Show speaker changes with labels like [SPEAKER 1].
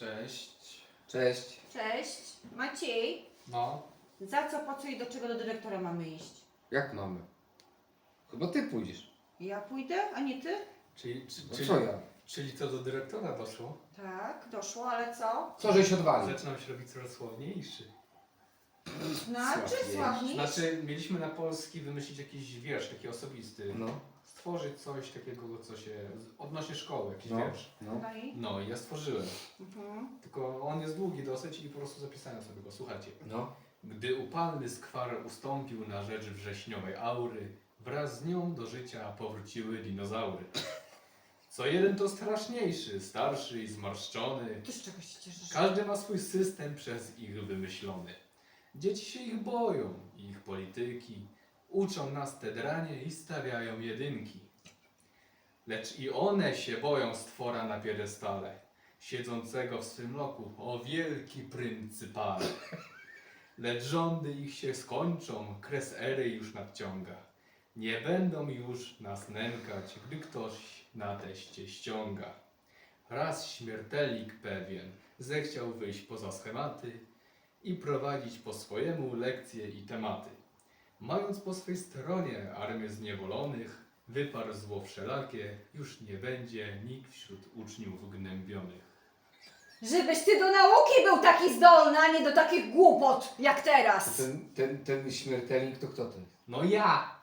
[SPEAKER 1] Cześć.
[SPEAKER 2] Cześć.
[SPEAKER 3] Cześć. Maciej,
[SPEAKER 1] No.
[SPEAKER 3] za co, po co i do czego do dyrektora mamy iść?
[SPEAKER 2] Jak mamy? Chyba ty pójdziesz.
[SPEAKER 3] Ja pójdę, a nie ty?
[SPEAKER 2] No co ja?
[SPEAKER 1] Czyli to do dyrektora doszło?
[SPEAKER 3] Tak, doszło, ale co?
[SPEAKER 2] Co żeś odwalił?
[SPEAKER 1] Zaczynam się robić coraz słowniejszy.
[SPEAKER 3] Znaczy,
[SPEAKER 2] Sławniej.
[SPEAKER 3] sławniej?
[SPEAKER 1] Znaczy, mieliśmy na polski wymyślić jakiś wiersz taki osobisty.
[SPEAKER 2] No.
[SPEAKER 1] Stworzyć coś takiego, co się... odnośnie szkoły, jakiś
[SPEAKER 2] No.
[SPEAKER 1] wiersz.
[SPEAKER 2] No.
[SPEAKER 3] No i?
[SPEAKER 1] No i ja stworzyłem.
[SPEAKER 3] Mhm.
[SPEAKER 1] Tylko on jest długi dosyć i po prostu zapisałem sobie go. Słuchajcie.
[SPEAKER 2] No.
[SPEAKER 1] Gdy upalny skwar ustąpił na rzecz wrześniowej aury, wraz z nią do życia powróciły dinozaury. Co jeden to straszniejszy, starszy i zmarszczony.
[SPEAKER 3] Ty z czego się cieszysz?
[SPEAKER 1] Każdy ma swój system przez ich wymyślony. Dzieci się ich boją, ich polityki. Uczą nas te dranie i stawiają jedynki. Lecz i one się boją stwora na piedestale, siedzącego w swym loku, o wielki pryncypale. Lecz rządy ich się skończą, kres ery już nadciąga. Nie będą już nas nękać, gdy ktoś na teście ściąga. Raz śmiertelnik pewien zechciał wyjść poza schematy i prowadzić po swojemu lekcje i tematy. Mając po swej stronie armię zniewolonych, wyparł zło wszelakie, już nie będzie nikt wśród uczniów gnębionych.
[SPEAKER 3] Żebyś ty do nauki był taki zdolny, a nie do takich głupot jak teraz.
[SPEAKER 2] Ten śmiertelnik to kto to jest?
[SPEAKER 1] No ja!